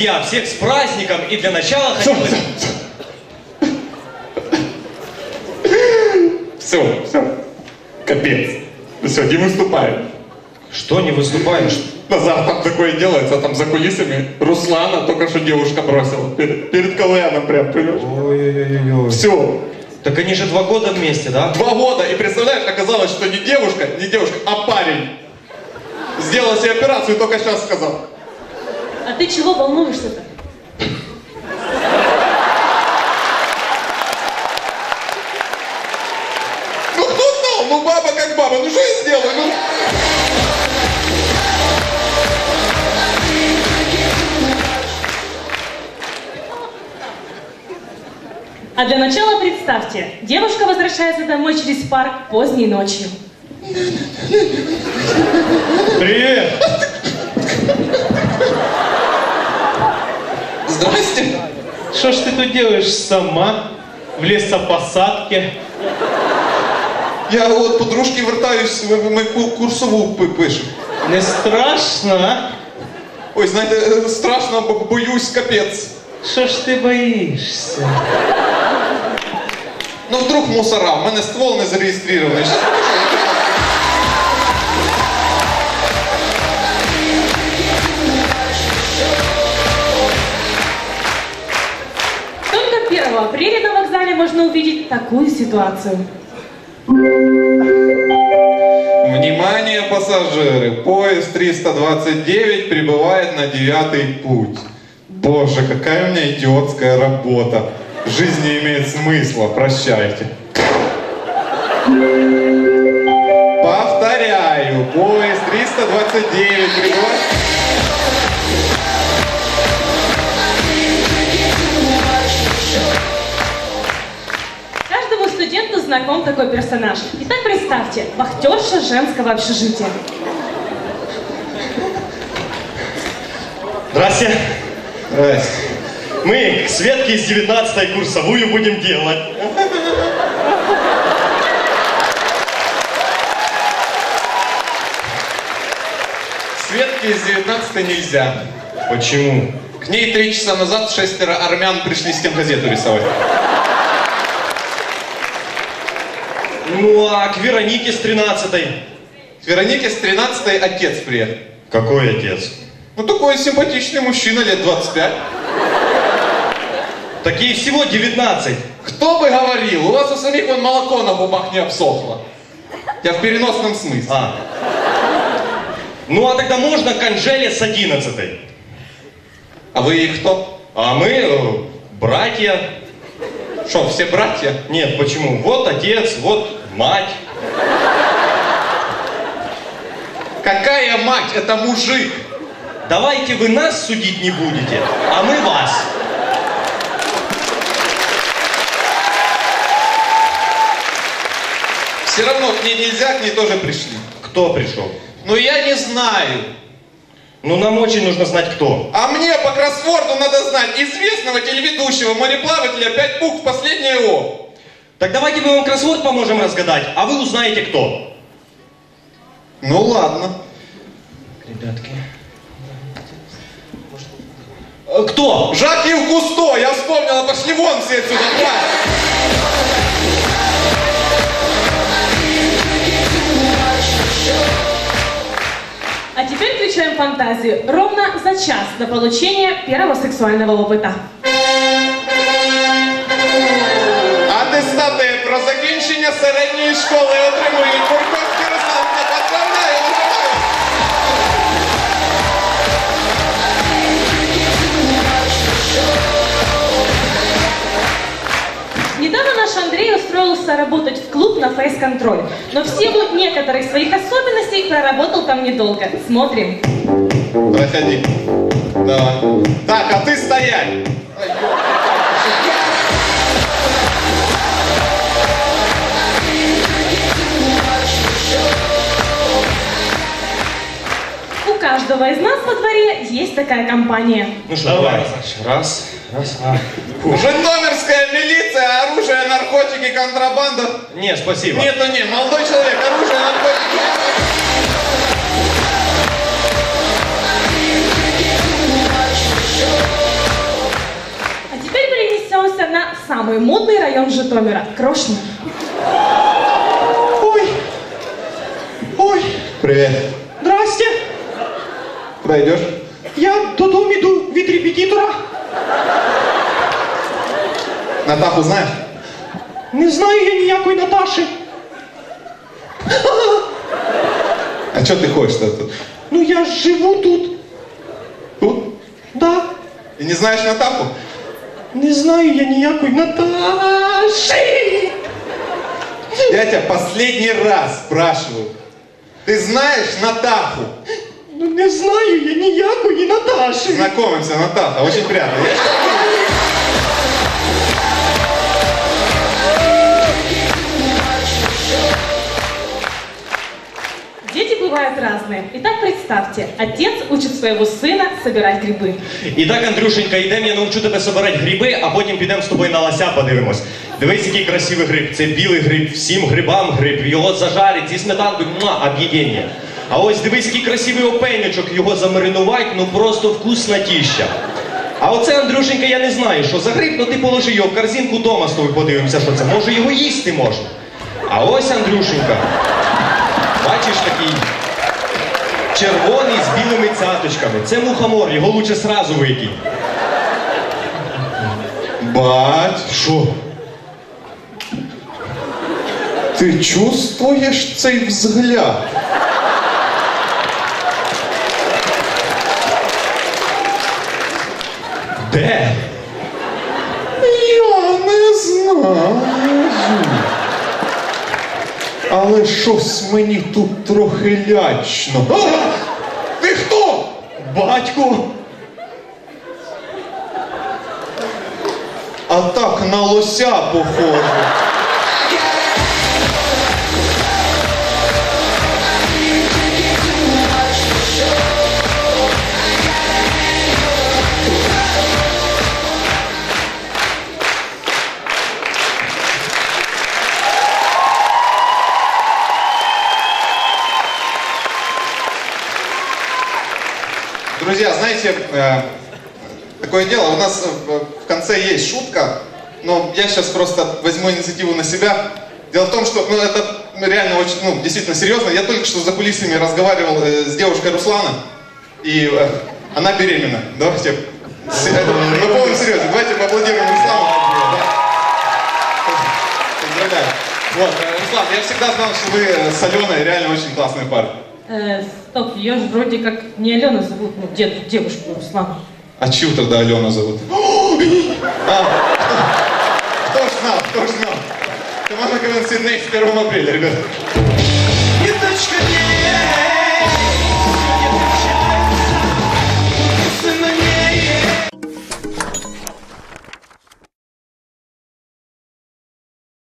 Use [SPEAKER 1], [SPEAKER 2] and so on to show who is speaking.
[SPEAKER 1] друзья, всех с праздником, и для начала хотел бы...
[SPEAKER 2] Все, капец. Все, не выступаем.
[SPEAKER 1] Что не выступаешь?
[SPEAKER 2] Назар, там такое делается, там за кулисами Руслана только что девушка бросила. Перед КВНом прям, понимаешь?
[SPEAKER 1] Ой-ой-ой.
[SPEAKER 2] Все.
[SPEAKER 1] Так они же 2 года вместе, да?
[SPEAKER 2] 2 года, и представляешь, оказалось, что не девушка, а парень. Сделал себе операцию, только сейчас сказал.
[SPEAKER 3] А ты чего волнуешься-то?
[SPEAKER 2] Ну кто знал? Ну баба как баба, ну что я сделаю? Ну...
[SPEAKER 3] А для начала представьте, девушка возвращается домой через парк поздней ночью.
[SPEAKER 1] Привет!
[SPEAKER 2] Здрасте.
[SPEAKER 4] Что ж ты тут делаешь сама? В лесопосадке?
[SPEAKER 2] Я вот подружки вертаюсь, ми курсову пишем.
[SPEAKER 4] Не страшно, а?
[SPEAKER 2] Ой, знаєте, страшно, боюсь, капець.
[SPEAKER 4] Що ж ти боїшся?
[SPEAKER 2] Ну вдруг мусора, в мене ствол не зареєстрований. Щас покажу,
[SPEAKER 3] Только 1 апреля на вокзале можно увидеть такую ситуацию.
[SPEAKER 2] Внимание, пассажиры! Поезд 329 прибывает на 9-й путь. Боже, какая у меня идиотская работа. Жизнь не имеет смысла. Прощайте. Повторяю, поезд 329 прибывает...
[SPEAKER 3] Каждому студенту знаком такой персонаж. Итак, представьте, вахтерша женского общежития.
[SPEAKER 1] Здрасте.
[SPEAKER 2] Здрасте.
[SPEAKER 1] Мы к Светке из 19-й курсовую будем делать.
[SPEAKER 2] Светке из 19-й нельзя.
[SPEAKER 1] Почему?
[SPEAKER 2] К ней 3 часа назад 6 армян пришли стенгазету рисовать.
[SPEAKER 1] Ну, а к Веронике с 13-й?
[SPEAKER 2] К Веронике с 13-й отец приехал.
[SPEAKER 1] Какой отец?
[SPEAKER 2] Ну, такой симпатичный мужчина, лет 25.
[SPEAKER 1] Так ей всего 19.
[SPEAKER 2] Кто бы говорил, у вас у самих вон молоко на губах не обсохло. Я в переносном смысле.
[SPEAKER 1] Ну, а тогда можно к Анжеле с 11-й.
[SPEAKER 2] А вы и кто?
[SPEAKER 1] А мы братья.
[SPEAKER 2] Что, все братья?
[SPEAKER 1] Нет, почему? Вот отец, вот мать.
[SPEAKER 2] Какая мать? Это мужик.
[SPEAKER 1] Давайте вы нас судить не будете, а мы вас.
[SPEAKER 2] Все равно к ней нельзя, к ней тоже пришли.
[SPEAKER 1] Кто пришел?
[SPEAKER 2] Ну я не знаю.
[SPEAKER 1] Ну нам очень нужно знать кто.
[SPEAKER 2] А мне по кроссворду надо знать известного телеведущего мореплавателя 5 букв, последнее О.
[SPEAKER 1] Так давайте мы вам кроссворд поможем разгадать, а вы узнаете кто.
[SPEAKER 2] Ну ладно.
[SPEAKER 1] Ребятки. Кто?
[SPEAKER 2] Жак-Ив Кусто, я вспомнила, пошли вон все отсюда.
[SPEAKER 3] А теперь включаем фантазию. Ровно за час до получения первого сексуального опыта.
[SPEAKER 2] Атестати про закінчення середньої школи отримують Бурковський Руслан. Поздравляю, виживаю.
[SPEAKER 3] Недавно наш Андрей устроился работать в клуб на фейс-контроль, но в силу некоторых своих особенностей проработал там недолго. Смотрим.
[SPEAKER 2] Проходи. Давай. Так, а ты стоять.
[SPEAKER 3] У каждого из нас во дворе есть такая компания.
[SPEAKER 1] Ну что, давай. Раз.
[SPEAKER 2] Житомирская милиция, оружие, наркотики, контрабанда.
[SPEAKER 1] Не, спасибо.
[SPEAKER 2] Нет, ну не, молодой человек, оружие, наркотики.
[SPEAKER 5] Show.
[SPEAKER 3] самый модный район Житомира – Крошня.
[SPEAKER 4] Ой. Ой.
[SPEAKER 2] Привет.
[SPEAKER 4] Здрасте.
[SPEAKER 2] Куда идешь?
[SPEAKER 4] Я додому иду від репетитора.
[SPEAKER 2] Натаху знаешь?
[SPEAKER 4] Не знаю я ніякої Наташі.
[SPEAKER 2] А что ты хочешь-то тут?
[SPEAKER 4] Ну я ж живу тут.
[SPEAKER 2] Тут?
[SPEAKER 4] Да.
[SPEAKER 2] И не знаешь Натаху?
[SPEAKER 4] Не знаю я ніякої Наташі.
[SPEAKER 2] Я тебя последний раз спрашиваю. Ты знаешь Натаху?
[SPEAKER 4] Ну не знаю я ніякої Наташі.
[SPEAKER 2] Знакомимся, Натаха, очень приятно.
[SPEAKER 3] Дети бывают разные. Итак, представьте, отец учит своего сына собирать грибы.
[SPEAKER 1] І так, Андрюшенька, йдемо, я навчу тебе собирати гриби, а потім підемо з тобою на лося подивимось. Дивись, який красивий гриб. Це білий гриб, всім грибам гриб. Його зажарить зі сметанкою, об'єднання. А ось дивись, який красивий опенючок, його замаринувати, ну просто вкуснотіща. А оце, Андрюшенька, я не знаю, що за гриб, ну ти положи його в корзинку дома з тобою подивимося, що це. Може його їсти можна. А ось, Андрюшенька, бачиш такий червоний з білими цяточками. Це мухомор, його лучше сразу викинь.
[SPEAKER 2] Бать,
[SPEAKER 1] Що?
[SPEAKER 2] ты чувствуешь цей взгляд?
[SPEAKER 1] Де?
[SPEAKER 2] Я не знаю. Але щось мені тут трохи лячно. А! Ти хто?
[SPEAKER 1] Батько!
[SPEAKER 2] А так на лося похоже. Друзья, знаете, такое дело, у нас в конце есть шутка, но я сейчас просто возьму инициативу на себя. Дело в том, что это реально очень, действительно серьезно. Я только что за кулисами разговаривал с девушкой Руслана, и она беременна. Давайте, на полном серьезе, давайте поаплодируем Руслану. Поздравляю. Вот, Руслан, я всегда знал, что вы с Аленой реально очень классный парень.
[SPEAKER 3] Стоп, ее же вроде как не Алена зовут, ну, девушку Руслана.
[SPEAKER 2] А чью тогда Алена зовут? Кто ж знал, кто ж знал? Команда КВН Сидней с 1 апреля, ребята.
[SPEAKER 1] Ниточка